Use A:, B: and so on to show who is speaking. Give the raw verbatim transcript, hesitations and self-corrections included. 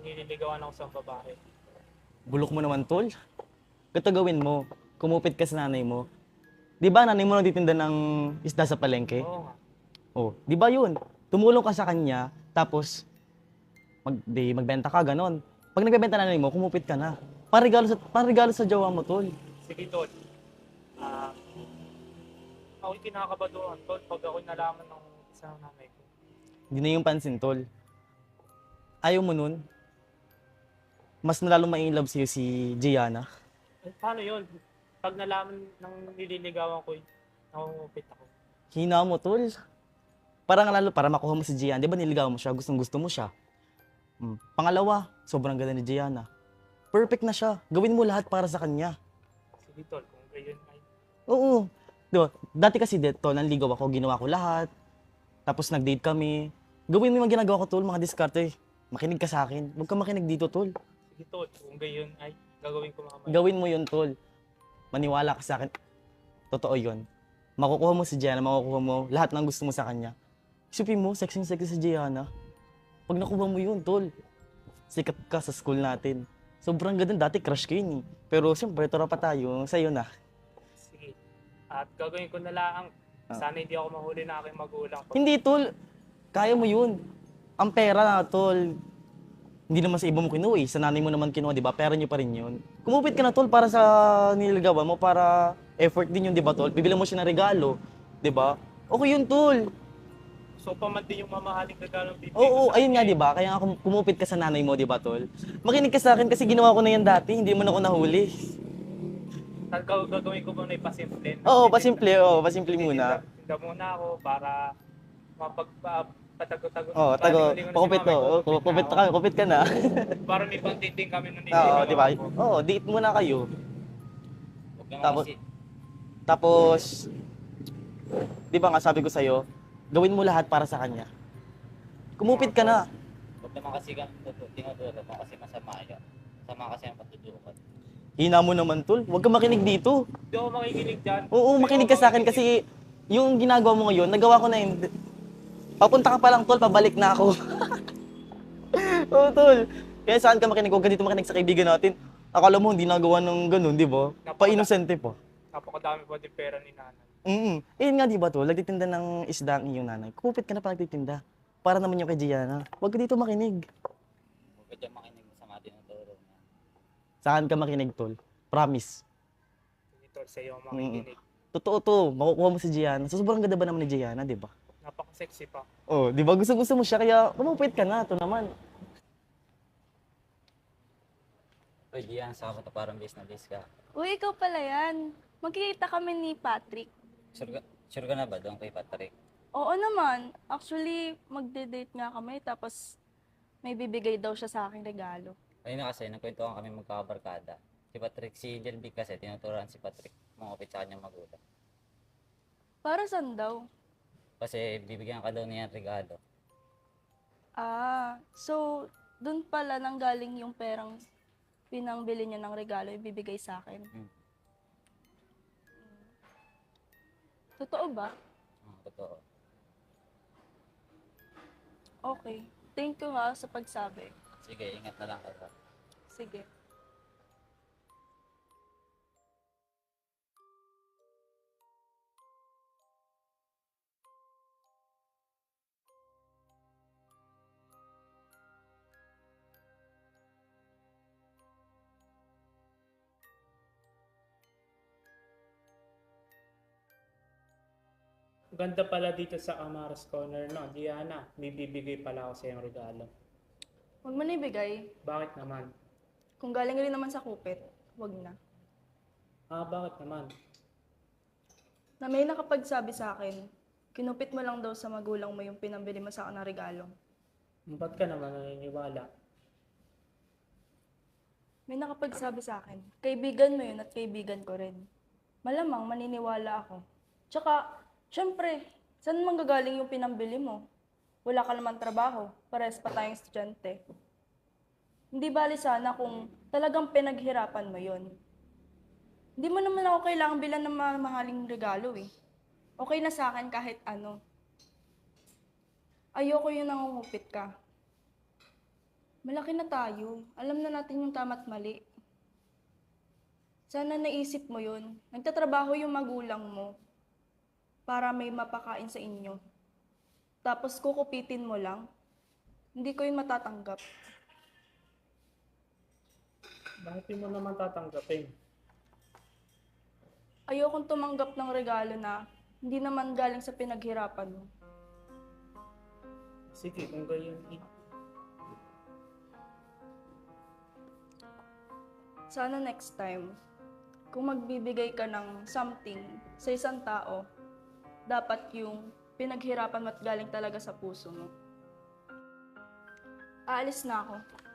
A: nililigawan ako sa babae.
B: Bulok mo naman, tol. Ito gawin mo. Kumupit ka sa nanay mo. Di ba nanay mo nagtitinda ng isda sa palengke?
A: Oo nga.
B: Oh, di ba yun? Tumulong ka sa kanya, tapos mag, di, magbenta ka, ganon. Pag nagbebenta na nanay mo, kumupit ka na. Parigalo sa, parigalo sa jowa mo, tol.
A: Sige, Tol. Ah, ako'y kinakabaduhan, Tol, pag ako'y nalaman ng isang nanay ko.
B: Hindi na yung pansin, tol. Ayaw mo nun? Mas nalalo ma-inlove sa'yo si Gianna.
A: Eh, paano yun? Pag nalaman ng nililigawan ko, nakungupit ako.
B: Hina mo, tol. Para nga lalo, para makuha mo si Gianna. Di ba niligaw mo siya? Gustong gusto mo siya. Hmm. Pangalawa, sobrang ganda ni Gianna. Perfect na siya. Gawin mo lahat para sa kanya.
A: Sige, Tol, kung gayon ay...
B: Oo. Di ba? Dati kasi dito, nanligaw ako, ginawa ko lahat. Tapos nag-date kami. Gawin mo yung mga ginagawa ko, tol, mga diskarte. Makinig ka sa akin. Huwag ka makinig dito, tol.
A: Sige, Tol, kung gayon ay gagawin ko mamaya.
B: Gawin mo yun, tol. Maniwala ka sa akin. Totoo yun. Makukuha mo si Gianna, makukuha mo lahat ng gusto mo sa kanya. Isipin mo, sexy-sexy si Gianna. Pag nakuha mo yun, tol, sikat ka sa school natin. Sobrang ganda. Dati crush ko yun eh. Pero siyempre, tura pa tayo. Sa'yo na.
A: Sige. At gagawin ko na lang.
B: Ah.
A: Sana hindi ako mahuli na aking magulang.
B: Hindi, tol. Kaya mo yun. Ang pera, tol. Hindi naman sa iba mo kinuha eh. Sa nanay mo naman kinuha, di ba? Pera niyo pa rin yun. Kumupit ka na, tol, para sa nilagawa mo. Para effort din yun, di ba, tol? Bibili mo siya ng regalo. Di ba? Okay yun, tol.
A: So, pa man din yung mamahaling regalo ng bibig
B: Oo,
A: ko sa
B: ayun nga,
A: kanya.
B: di ba? Kaya nga kum- kumupit ka sa nanay mo, di ba, tol? Makinig ka sa akin kasi ginawa ko na yan dati. Hindi mo na ako nahuli.
A: At gaw- gagawin ko muna ipasimple.
B: Oo, pasimple. Oo, pasimple muna.
A: Tinda muna ako para mapagpatago-tago.
B: Oo, tago. Pakupit to. Oo, Kupit ka, kupit ka na.
A: Para may pangtiting kami nung
B: Oo, di ba?
A: ko.
B: Oo, date muna kayo.
C: Huwag naman
B: Tapos,
C: kasi,
B: tapos, di ba nga sabi ko sa'yo, gawin mo lahat para sa kanya. Kumupit ka na.
C: huwag naman kasi kang tutu- tinuturo mo kasi masama yun. Masama kasi ang patutukan.
B: Hina mo naman, tol. Huwag ka makinig dito.
A: Hindi ako makikinig dyan.
B: Oo,
A: Hindi
B: makinig
A: ako
B: ka sa akin kasi yung ginagawa mo ngayon, nagawa ko na yun. Papunta ka pa lang, tol, pabalik na ako. Oo, tol. Kaya saan ka makinig? Huwag ka dito makinig sa kaibigan natin. Akala mo hindi nagawa ng ganun, di ba? Pa-inosente pa.
A: Napakadami pa din pera ni nanay.
B: Mm. Eh, nga, di ba, tol? Nagtitinda ng isda ang iyong nanay. Kupit ka na pa nagtitinda. Para naman yung kay Gianna. Huwag ka dito makinig.
C: Huwag ka dyan makinig masama tinuturo niya.
B: Saan ka makinig, tol? Promise.
A: Ito sa iyo ang makikinig.
B: Totoo to. Makukuha mo si Gianna. So, sobrang ganda ba naman ni Gianna, di ba?
A: Napaka-sexy pa.
B: Oh, di ba? Gusto-gusto mo siya, kaya kumupit ka na. Ito naman.
C: Uy, Gian, saka mo to parang base na base ka.
D: Uy, ikaw pala yan. Magkikita kami ni Patrick.
C: Sure ka, sure ka na ba doon kay Patrick?
D: Oo naman. Actually, magde-date nga kami tapos may bibigay daw siya sa aking regalo.
C: Ayun na kasi, nagkwentuhan kami magkakabarkada. Si Patrick, si Jelby kasi, tinuturuan si Patrick mangupit sa kanyang magulang.
D: Para saan daw?
C: Kasi bibigyan ka daw niya ng regalo.
D: Ah, so dun pala nanggaling yung perang pinangbili niya ng regalo ibibigay sa akin.
C: Hmm.
D: Hmm. Totoo ba?
C: Ah, totoo.
D: Okay. Thank you ha sa pagsabi.
C: Sige, ingat na lang ka.
D: Sige.
A: Ganda pala dito sa Amaras Corner, no? Diana, may bibigay pala ako sa iyong regalo.
D: Huwag mo na ibigay.
A: Bakit naman?
D: Kung galing rin naman sa kupit, huwag na.
A: Ah, bakit naman?
D: Na may nakapagsabi sa akin, kinupit mo lang daw sa magulang mo yung pinambili mo sa akin ng regalo.
A: Ba't ka naman naniniwala?
D: May nakapagsabi sa akin, kaibigan mo yun at kaibigan ko rin. Malamang maniniwala ako. Tsaka, syempre, saan manggagaling yung pinambili mo? Wala ka naman trabaho, pares pa tayong estudyante. Hindi bali sana kung talagang pinaghirapan mo yun. Hindi mo naman ako kailangang bilan ng mga mahaling regalo eh. Okay na sa akin kahit ano. Ayoko yung nangungupit ka. Malaki na tayo. Alam na natin yung tama't mali. Sana naisip mo yun. Nagtatrabaho yung magulang mo para may mapakain sa inyo. Tapos kukupitin mo lang. Hindi ko yun matatanggap.
A: Bakit di mo naman tatanggapin?
D: Ayokong tumanggap ng regalo na hindi naman galing sa pinaghirapan mo.
A: Sige, kung ganyan.
D: Sana next time, kung magbibigay ka ng something sa isang tao, dapat yung pinaghirapan mo at galing talaga sa puso mo. Aalis na ako.